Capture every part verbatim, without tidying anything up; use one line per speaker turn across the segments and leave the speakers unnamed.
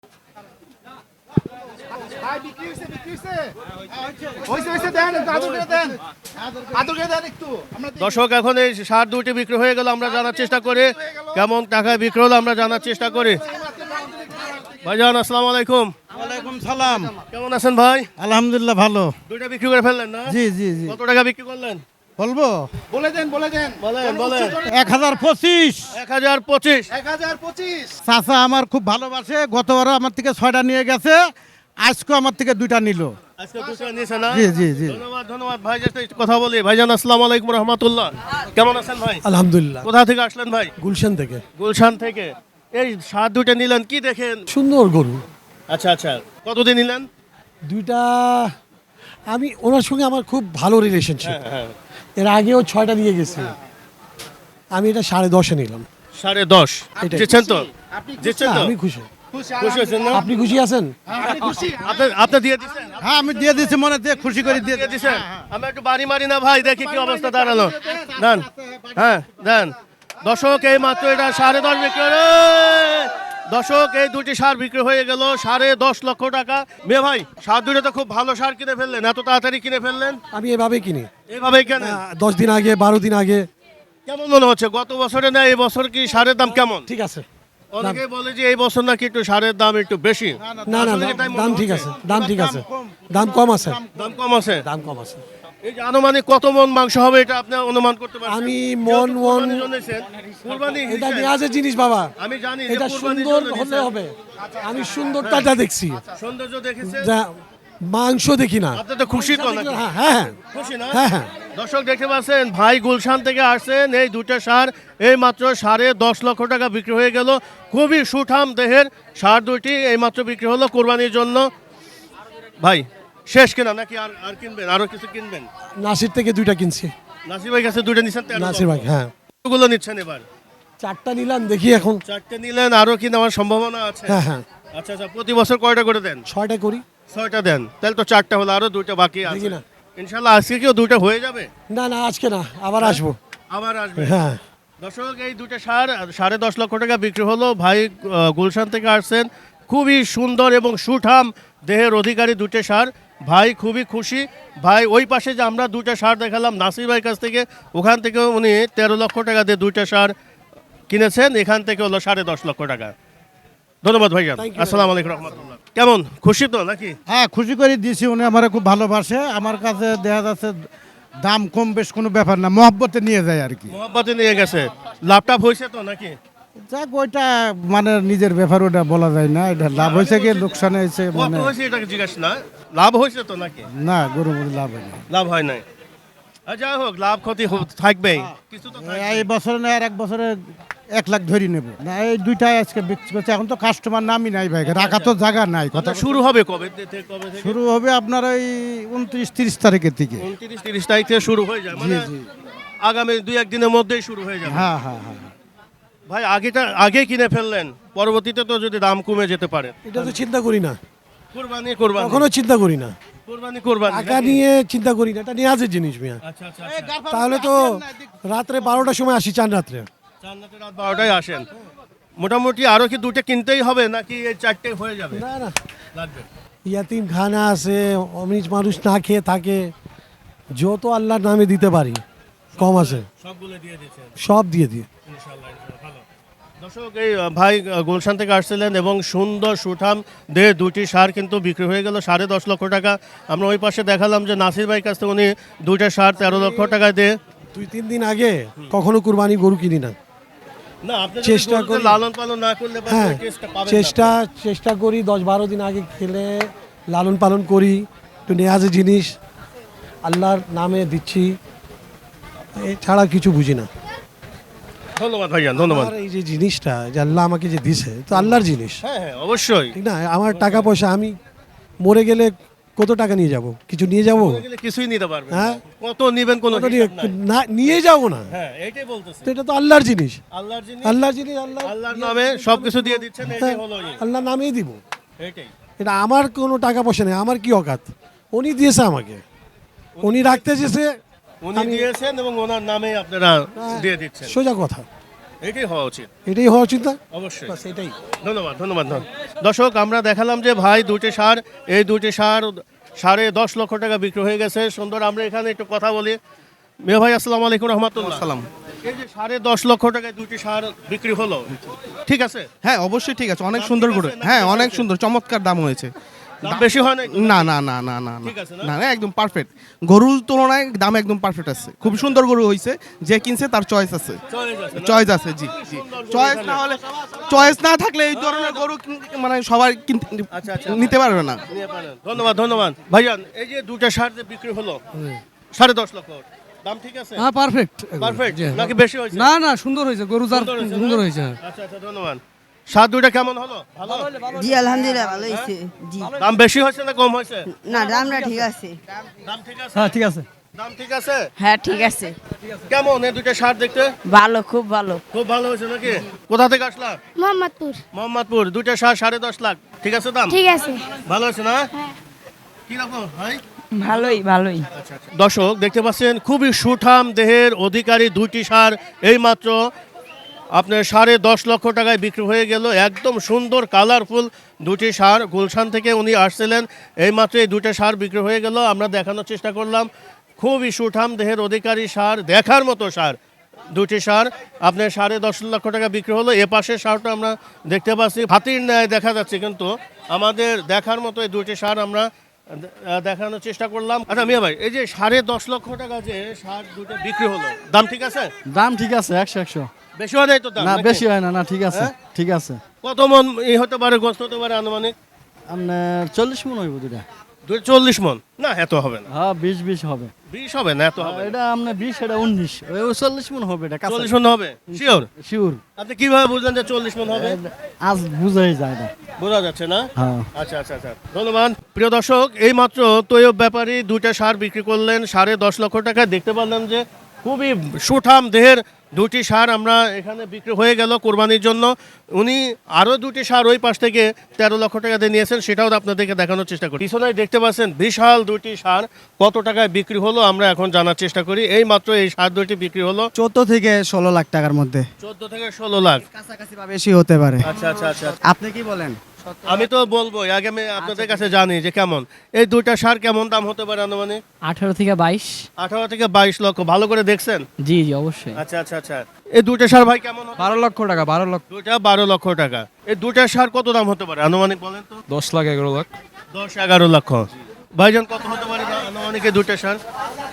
দর্শক এখন এই সার দুটি বিক্রি হয়ে গেল, আমরা জানার চেষ্টা করি কেমন টাকায় বিক্রি হলো, আমরা জানার চেষ্টা করি। ভাইজান আসসালামু আলাইকুম।
ওয়ালাইকুম সালাম।
কেমন আছেন ভাই?
আলহামদুলিল্লাহ ভালো।
দুইটা বিক্রি করে ফেললেন না?
জি জি জি।
কত টাকা বিক্রি করলেন
বলবো?
বলে দেন বলে দেন বলেন বলেন।
এক হাজার পঁচিশ।
এক হাজার পঁচিশ।
এক হাজার পঁচিশ।
চাচা আমার খুব ভালোবাসে, গতবারও আমার থেকে ছয়টা নিয়ে গেছে, আজকে আমার থেকে দুইটা নিল।
আজকে দুটো নিয়েছে না?
জি জি জি।
ধন্যবাদ ধন্যবাদ ভাই। জাস্ট একটু কথা বলি। ভাইজান আসসালামু আলাইকুম রাহমাতুল্লাহ। কেমন আছেন ভাই?
আলহামদুলিল্লাহ।
কোথা থেকে আসলেন ভাই?
গুলশান থেকে।
গুলশান থেকে। এই সার দুটো নিলেন, কি দেখেন?
সুন্দর গরু
আচ্ছা আচ্ছা, কতদিন নিলেন?
দুইটা। আমি ওনার সঙ্গে আমার খুব ভালো রিলেশনশিপ।
হ্যাঁ
এর আগেও ছয়টা নিয়ে গেছি। আমি এটা সাড়ে দশে নিলাম।
সাড়ে দশ
এটাই।
জিতছেন তো? জিতছেন
না,
তো?
আমি খুশি।
খুশি হয়েছেন না?
আপনি খুশি আছেন?
আপনি আপনি দিয়ে দিচ্ছেন?
হ্যাঁ আমি দিয়ে দিচ্ছি, মনে দিয়ে খুশি করে দিয়ে
দিয়ে দিচ্ছেন? আমি একটু বাড়ি মারি না ভাই, দেখি কি অবস্থা দাঁড়ালো। দেন হ্যাঁ দেন। দর্শক এই মাত্র এটা সাড়ে দশ বিক্রি হলো। দর্শক এই দুটি সার বিক্রি হয়ে গেল সাড়ে দশ লক্ষ টাকা। মেয়ে ভাই, সার দুটো তো খুব ভালো সার কিনে ফেললেন, এত তাড়াতাড়ি কিনে ফেললেন?
আমি এভাবে কিনি।
এইভাবেই কেন?
আহ, দশ দিন আগে, বারো দিন আগে।
কেমন মনে হচ্ছে গত বছরে না এই বছর কি সারের দাম কেমন?
ঠিক আছে।
অনেকেই বলে যে এই বছর নাকি একটু সারের দাম একটু বেশি।
না না
আসলে
না,
কি তাই মনে
দাম ঠিক
হচ্ছে?
আছে, দাম ঠিক আছে, দাম কম আছে,
দাম কম আছে।
দাম কম আছে।
এই যে আনুমানিক কত মন মাংস হবে এটা আপনি অনুমান করতে পারছেন?
আমি মন
যেহেতু
মন
কুরবানির জন্য এসেছেন, কুরবানি
এটা
হিসেবে-
নেওয়াজের জিনিস বাবা।
আমি জানি যে
এটা
কুরবানির
সুন্দর
জন্য
হলে
নিছেন।
হবে। আমি সুন্দরটা দেখছি,
সৌন্দর্য দেখেছেন?
যা মাংস দেখি না।
আপনি তো খুশি তো নাকি?
হ্যাঁ হ্যাঁ
খুশি না?
হ্যাঁ হ্যাঁ।
দর্শক দেখতে পাচ্ছেন ভাই গুলশান থেকে আসছেন, এই দুটো সার এই মাত্র সাড়ে দশ লক্ষ টাকা বিক্রি হয়ে গেল। খুবই সুঠাম দেহের সার দুটি এই মাত্র বিক্রি হলো কোরবানির জন্য। ভাই শেষ কিনা নাকি আর আর কিনবেন, আরো কিছু কিনবেন?
নাসির থেকে দুইটা কিনছি।
নাসির ভাই কাছে দুটো নিচ্ছেন?
নাসির ভাই, হ্যাঁ।
গুলো নিচ্ছেন এবার?
চারটা নিলাম, দেখি এখন।
চারটে নিলেন, আরো কি নেওয়ার সম্ভাবনা আছে?
হ্যাঁ হ্যাঁ,
আচ্ছা আচ্ছা, প্রতি বছর কয়টা করে দেন?
ছয়টা করি।
ছয়টা দেন, তাহলে তো চারটা হলো, আরো দুইটা বাকি আছে।
দেখি না।
ইনশাল্লাহ আজকে কেউ দুইটা হয়ে যাবে?
না না, আজকে না, আবার আসবো।
আবার আসবে?
হ্যাঁ।
দর্শক এই দুটো সার সাড়ে দশ লক্ষ টাকা বিক্রি হলো। ভাই আহ, গুলশান থেকে আসছেন, খুবই সুন্দর এবং সুঠাম দেহের অধিকারী দুটো সার। ভাই খুবই খুশি। ভাই ওই পাশে যে আমরা দুটো সার দেখালাম নাসির ভাইয়ের কাছ থেকে, ওখান থেকে উনি তেরো লক্ষ টাকা দিয়ে দুইটা সার কিনেছেন, এখান থেকে হলো সাড়ে দশ লক্ষ টাকা। ধন্যবাদ ভাইজান।
Thank you.
আসসালামু আলাইকুম রহমতুল্লাহ। কেমন খুশি তো নাকি?
হ্যাঁ খুশি করে দিয়েছি, উনি আমার খুব ভালোবাসে। আমার কাছে দেখা যাচ্ছে দাম কম বেশ কোনো ব্যাপার না, মহব্বতে নিয়ে যায় আর কি।
মোহাম্মতে নিয়ে গেছে, লাভটাপ হয়েছে তো নাকি?
যাক ওইটা মানে নিজের ব্যাপার, ওটা বলা যায় না। এটা লাভ হয়েছে কি লোকসান হয়েছে
কত
মানে
হয়েছে এটাকে জিজ্ঞাসা না, লাভ হয়েছে তো নাকি?
না, গরু মরু লাভ হয় না।
লাভ হয় নাই। আর যাই হোক, লাভ ক্ষতি হো- থাকবেই কিছু তো থাকবেই।
এই বছরে না আর এক বছরে এক লাখ ধরি নেব না, এই দুইটাই আজকে বিক্রি করছে। এখন তো কাস্টমার নামই নাই ভাই, রাখা তো জায়গা নাই। কথা
কথা শুরু হবে কবে থেকে? কবে থেকে?
শুরু হবে আপনার ওই উনত্রিশ তিরিশ তারিখের থেকে।
উনত্রিশ তিরিশ তারিখ থেকে শুরু হয়ে যায়, মানে
জি।
আগামী দুই একদিনের মধ্যেই শুরু হয়ে যাবে।
হ্যাঁ হ্যাঁ হ্যাঁ।
ভাই আগেটা আগে কিনে ফেললেন, পরবর্তীতে তো যদি দাম কমে যেতে পারে।
এটা তো চিন্তা করি না,
কুরবানি কুরবানি
কখনো চিন্তা করি না।
কুরবানি কুরবানি
টাকা
নাকি?
নিয়ে চিন্তা করি না, এটা নেওয়াজের জিনিস মিয়া।
আচ্ছা আচ্ছা আচ্ছা।
তাহলে তো রাত্রে বারোটার সময় আসি, চান রাত্রে।
জান্নাতে রাত বারোটায় আসেন। মোটামুটি আরো কি দুটো কিনতেই হবে নাকি এই চারটে হয়ে যাবে?
না না,
লাগবে।
ইয়াতিম খানা আছে, অমিজ মানুষ না খেয়ে থাকে, যত আল্লাহর নামে দিতে পারি কম আছে,
সবগুলো দিয়ে দিচ্ছেন
সব দিয়ে দিই।
ইনশাআল্লাহ, ইনশাআল্লাহ, ভালো। দর্শক এই আহ, ভাই আহ, গুলশান থেকে আসছিলেন এবং সুন্দর সুঠাম দেহে দুটি সার কিন্তু বিক্রি হয়ে গেল সাড়ে দশ লক্ষ টাকা। আমরা ওই পাশে দেখালাম যে নাসির ভাই কাছ থেকে উনি দুইটা সার তেরো লক্ষ টাকা দিয়ে।
দুই তিন দিন আগে কখনো কুরবানি গরু কিনি না।
না, আপনি যদি
চেষ্টা
গরুকে
করি।
লালন পালন না করলে বা
হ্যাঁ,
ওই টেস্টটা পাবেন না।
চেষ্টা চেষ্টা করি দশ বারো দিন আগে খেলে লালন পালন করি, একটু নেওয়াজের জিনিস আল্লাহর নামে দিচ্ছি, এছাড়া কিছু বুঝি না।
ধন্যবাদ ভাইজান, ধন্যবাদ।
আর এই যে জিনিসটা যে আল্লাহ আমাকে যে দিছে, তো আল্লাহর জিনিস,
হ্যাঁ হ্যাঁ অবশ্যই।
ঠিক না? আমার টাকা পয়সা, আমি মরে গেলে কত টাকা নিয়ে যাব? কিছু নিয়ে যাব?
বলে গেলে কিছুই নিতে পারবেন
হ্যাঁ।
না। কত নিবেন কোনো
কত নিয়ে-
হিসাব নাই।
না নিয়ে যাব না,
হ্যাঁ এইটাই বলতেছি।
তো এটা তো আল্লাহর জিনিস,
আল্লাহর জিনিস,
আল্লাহর জিনিস আল্লাহ
আল্লাহর নামে সবকিছু দিয়ে দিচ্ছেন, এটাই
হ্যাঁ,
হলো ই।
আল্লাহর নামেই দিব।
এইটাই।
এটা আমার কোনো টাকা পয়সা নেই, আমার কি অকাত, উনি দিয়েছে আমাকে, উনি রাখতে চেয়েছে,
উনি দিয়েছেন এবং ওনার নামে আপনারা দিয়ে দিচ্ছেন।
সোজা কথা।
এটাই হওয়া উচিত।
এটাই হওয়া উচিত না?
অবশ্যই।
বাস এটাই।
ধন্যবাদ ধন্যবাদ ধন্যবাদ। দর্শক আমরা দেখালাম যে ভাই দুটি সার, এই দুটি সার সাড়ে দশ লক্ষ টাকা বিক্রি হয়ে গেছে। সুন্দর, আমরা এখানে একটু কথা বলি। মিয়া ভাই আসসালামু আলাইকুম রহমতুল্লাহ।
সালাম।
এই যে সাড়ে দশ লক্ষ টাকায় দুটি সার বিক্রি হলো, ঠিক আছে?
হ্যাঁ অবশ্যই ঠিক আছে, অনেক
দাম
সুন্দর
ঠিক
করে,
আছে নাকি
হ্যাঁ
বেশি
অনেক
আছে?
সুন্দর চমৎকার দাম হয়েছে।
দাম বেশি হয় না?
না না না না না না
ঠিক আছে না?
না না, একদম পারফেক্ট। গরুর তুলনায় দাম একদম পারফেক্ট আছে, খুব সুন্দর গরু হয়েছে। যে কিনছে তার চয়েস আছে,
চয়েস আছে না?
চয়েস আছে, জি জি।
সুন্দর গরু
চয়েস
এখানে।
না হলে, চয়েস না থাকলে এই ধরনের গরু কিন- মানে সবাই কিনতে
আচ্ছা, আচ্ছা।
নিতে পারবে না।
নিয়ে পারেন। ধন্যবাদ ধন্যবাদ ভাইজান। এই যে দুটা সার যে বিক্রি হলো সাড়ে দশ লক্ষ, দাম ঠিক আছে?
হ্যাঁ পারফেক্ট
পারফেক্ট নাকি বেশি হয়েছে?
না না সুন্দর হয়েছে গরু যার
সুন্দর হয়েছে না?
সুন্দর হয়েছে।
আচ্ছা আচ্ছা ধন্যবাদ। সার দুইটা কেমন হলো? ভালো?
জি আলহামদুলিল্লাহ ভালো হয়েছে। জি
দাম বেশি হয়েছে না কম হয়েছে?
না দামটা ঠিক আছে।
দাম ঠিক আছে?
হ্যাঁ ঠিক আছে।
দাম ঠিক আছে?
হ্যাঁ ঠিক আছে,
কেমন এই দুইটা সার দেখতে?
ভালো খুব ভালো।
খুব ভালো হয়েছে নাকি? কোথা থেকে আসলা?
মোহাম্মদপুর।
মোহাম্মদপুর। দুইটা সার সাড়ে দশ লাখ, ঠিক আছে দাম?
ঠিক আছে।
ভালো হয়েছে না? কি রকম ভাই?
ভালোই ভালোই।
দর্শক দেখতে পাচ্ছেন খুবই সুঠাম দেহের অধিকারী দুইটি সার এইমাত্র আপনার সাড়ে দশ লক্ষ টাকায় বিক্রি হয়ে গেল। একদম সুন্দর কালারফুল দুটি সার, গুলশান থেকে উনি আসছিলেন, এইমাত্র এই দুটো সার বিক্রি হয়ে গেল। আমরা দেখানোর চেষ্টা করলাম খুবই সুঠাম দেহের অধিকারী সার, দেখার মতো সার দুটি সার আপনার সাড়ে দশ লক্ষ টাকা বিক্রি হলো। এ পাশের সারটা আমরা দেখতে পাচ্ছি হাতির ন্যায় দেখা যাচ্ছে, কিন্তু আমাদের দেখার মতো এই দুটি সার আমরা আহ, দেখানোর চেষ্টা করলাম। আচ্ছা মিয়া ভাই, এই যে সাড়ে দশ লক্ষ টাকা যে সার দুটো বিক্রি হলো, দাম ঠিক আছে?
দাম ঠিক আছে একশো একশো।
বেশি হয় নাই তো দাম?
না
নাকি?
বেশি হয় না, না ঠিক আছে
হ্যাঁ?
ঠিক আছে।
কত মন ই হতে পারে, গোস্ত হতে পারে আনুমানিক?
আপনার চল্লিশ মন হইব দুটা।
দুই চল্লিশ মন না, এত হবে না।
হ্যাঁ বিশ বিশ হবে।
বিশ হবে না, এত হবে না।
এটা আপনার বিশ, এটা উনিশ, ওই চল্লিশ মন হবে। এটা কাঁচা
চল্লিশ মন হবে শিওর?
শিওর।
আপনি কিভাবে বুঝলেন যে চল্লিশ মন হবে?
আজ বুঝাই যায় না।
বোঝা যাচ্ছে না?
হ্যাঁ
আচ্ছা আচ্ছা আচ্ছা ধন্যবাদ। প্রিয় দর্শক, এই মাত্র তৈয়ব ব্যাপারী দুইটা সার বিক্রি করলেন সাড়ে দশ লক্ষ টাকা। দেখতে পারলাম যে খুবই সুঠাম দেহের দুটি সার আমরা এখানে বিক্রি হয়ে গেল কোরবানির জন্য। উনি আরও দুটি সার ওই পাশ থেকে তেরো লক্ষ টাকা দিয়ে নিয়েছেন, সেটাও আপনাদেরকে দেখানোর চেষ্টা করি। পিছনে দেখতে পাচ্ছেন বিশাল দুটি সার কত টাকায় বিক্রি হলো আমরা এখন জানার চেষ্টা করি। এই মাত্র এই সার দুটি বিক্রি হলো
চোদ্দ থেকে ষোলো লাখ টাকার মধ্যে,
চোদ্দ থেকে ষোলো লাখ।
কাছাকাছি বা বেশি হতে পারে।
আচ্ছা আচ্ছা আচ্ছা
আপনি কি বলেন?
আমি তো বলবো আগে আমি আপনাদের কাছে জানি যে কেমন এই দুইটা সার কেমন দাম হতে পারে আনুমানিক?
আঠারো থেকে বাইশ।
আঠারো থেকে বাইশ লক্ষ। ভালো করে দেখছেন?
জি জি অবশ্যই।
আচ্ছা আচ্ছা আচ্ছা এই দুইটা সার ভাই কেমন হতে-
বারো লক্ষ টাকা। বারো লক্ষ
দুইটা বারো লক্ষ টাকা। এই দুইটা সার কত দাম হতে পারে আনুমানিক বলেন তো?
দশ লাখ এগারো লাখ
দশ এগারো লক্ষ। ভাইজান কত হতে পারে না আনুমানিক এই দুইটা সার?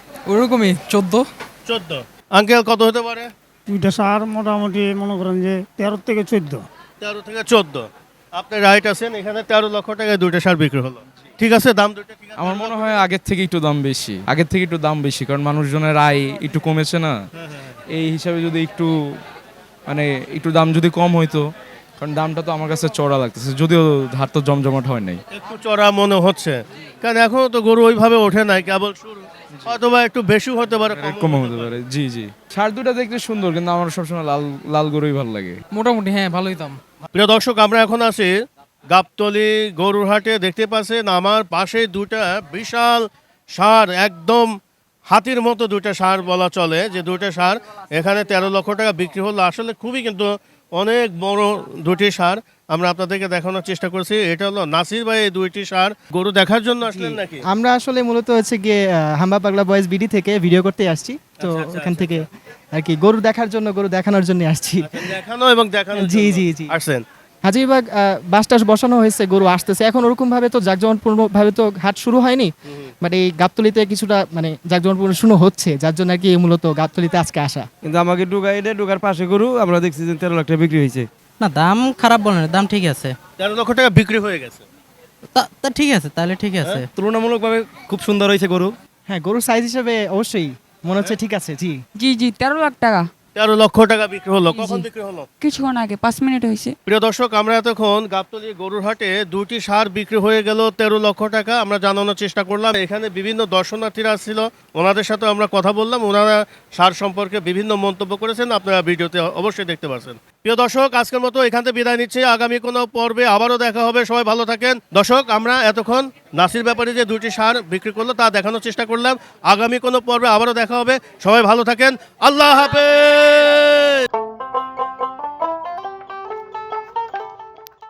ওরকমই চোদ্দ।
চোদ্দ। আঙ্কেল কত হতে পারে?
দুইটা সার মোটামুটি মনে করেন যে তেরো থেকে চোদ্দ।
তেরো থেকে চোদ্দ। আপনি রাইট আছেন, এখানে তেরো লক্ষ টাকায় দুইটা সার বিক্রি হলো। ঠিক আছে, দাম দুইটা ঠিক আছে?
আমার মনে হয় আগের থেকে একটু দাম বেশি, আগের থেকে একটু দাম বেশি, কারণ মানুষজনের আয় একটু কমেছে না, এই হিসাবে যদি একটু মানে একটু দাম যদি কম হইতো, কারণ দামটা তো আমার কাছে চড়া লাগতেছে, যদিও হাট তো জমজমাট হয় নাই।
একটু চড়া মনে হচ্ছে, কারণ এখনো তো গরু ওইভাবে ওঠে নাই, কেবল শুরু, অথবা একটু বেশি হতে পারে,
কম হতে পারে। জি জি, সার দুটা দেখতে সুন্দর, কিন্তু আমার সবসময় লাল লাল গরুই ভালো লাগে।
মোটামুটি হ্যাঁ ভালোই দাম।
প্রিয় দর্শক, আমরা এখন আছি গাবতলী গরুর হাটে। দেখতে পাচ্ছেন আমার পাশে দুটা বিশাল সার, একদম হাতির মতো দুটা সার বলা চলে, যে দুটা সার এখানে তেরো লক্ষ টাকা বিক্রি হলো। আসলে খুবই কিন্তু অনেক বড় দুটি সার আমরা আপনাদেরকে দেখানোর চেষ্টা করছি। এটা হলো নাসির ভাই এই দুইটি সার গরু দেখার জন্য আসলেন নাকি?
আমরা আসলে মূলত হচ্ছে গিয়ে আহ, হাম্বা পাগলা বয়েজ বিডি থেকে ভিডিও করতে আসছি, তো
আচ্ছা, আচ্ছা,
ওখান
আচ্ছা,
থেকে আর কি গরু দেখার জন্য, গরু দেখানোর জন্য আসছি।
আচ্ছা, দেখানো এবং দেখানো
জি, জি, জি।
আসছেন।
হাজিবাগ বাস টাস বসানো হয়েছে, গরু আসতেছে এখন, ওরকম ভাবে তো জাঁকজমকপূর্ণ ভাবে তো হাট শুরু হয়নি, বাট এই গাবতলিতে কিছুটা মানে জাঁকজমকপূর্ণ শুরু হচ্ছে, যার জন্য আর কি মূলত গাবতলিতে আজকে আসা।
কিন্তু আমাকে ডুগা এটা ডুগার পাশে গরু আমরা দেখছি যে তেরো লাখ টাকা বিক্রি হয়েছে।
না দাম খারাপ বলেন, দাম ঠিক আছে।
তেরো লক্ষ টাকা বিক্রি হয়ে গেছে,
তা- তা ঠিক আছে, তাহলে ঠিক আছে।
তুলনামূলকভাবে খুব সুন্দর হয়েছে গরু।
হ্যাঁ, গরুর সাইজ হিসেবে অবশ্যই মনে হচ্ছে ঠিক আছে। জি
জি জি তেরো লাখ টাকা
তেরো লক্ষ টাকা বিক্রি হলো। কখন বিক্রি হলো?
কিছুক্ষণ আগে, পাঁচ মিনিট হয়েছে।
প্রিয় দর্শক, আমরা এতক্ষণ গাবতলী গরুর হাটে দুটি সার বিক্রি হয়ে গেল তেরো লক্ষ টাকা আমরা জানানোর চেষ্টা করলাম। এখানে বিভিন্ন দর্শনার্থীরা আসছিল, ওনাদের সাথে আমরা কথা বললাম, ওনারা সার সম্পর্কে বিভিন্ন মন্তব্য করেছেন, আপনারা ভিডিওতে অবশ্যই দেখতে পাচ্ছেন। প্রিয় দর্শক, আজকের মতো এখান থেকে বিদায় নিচ্ছে, আগামী কোনো পর্বে আবারও দেখা হবে, সবাই ভালো থাকেন। দর্শক, আমরা এতক্ষণ নাসির ব্যাপারে যে দুটি সার বিক্রি করলো তা দেখানোর চেষ্টা করলাম, আগামী কোনো পর্বে আবারও দেখা হবে, সবাই ভালো থাকেন, আল্লাহ হাফেজ।